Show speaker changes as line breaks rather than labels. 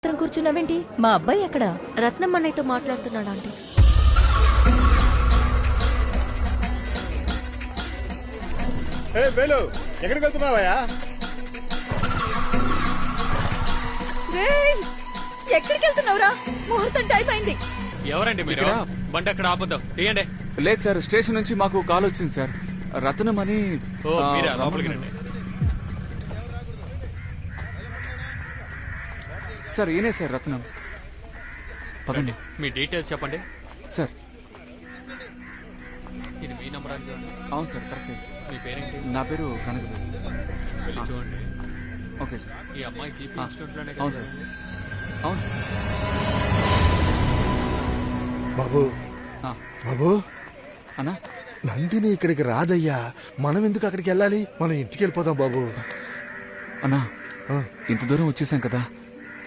కూర్చున్నావేంటి? మా అబ్బాయి ఎక్కడ?
రత్నం అన్నయ్యతో మాట్లాడుతున్నాడు ఆంటీ.
ఎక్కడికి వెళ్తున్నావయ్యా?
ఎక్కడికి వెళ్తున్నావురా? ముహూర్తం టైం అయింది.
ఎవరండి మీరు? బండి అక్కడ ఆపొద్దాం, తీయండి.
లేదు సార్, స్టేషన్ నుంచి మాకు కాల్ వచ్చింది సార్. రత్నం అని.
ఓ మీరా, లోపలికి రండి.
సార్ ఈయనే సార్ రత్నం. పదండి.
మీ డీటెయిల్స్ చెప్పండి.
సార్
ఇది మీ నంబర్ అని చూడండి.
అవును సార్, కరెక్టే.
మీ పేరేంటి?
నా పేరు కనకదేవి.
వెళ్ళి చూడండి.
Okay sir.
ఈ అమ్మాయి జీపీ ఇన్స్టిట్యూట్ లోనే
అవును సార్. అవును సార్.
బాబు
ఆ,
బాబు,
అన్నా
నందిని ఇక్కడికి రాదయ్యా. మనం ఎందుకు అక్కడికి వెళ్ళాలి? మనం ఇంటికి వెళ్ళిపోదాం బాబు.
అన్నా
ఆ.
ఇంత దూరం వచ్చేసాం కదా,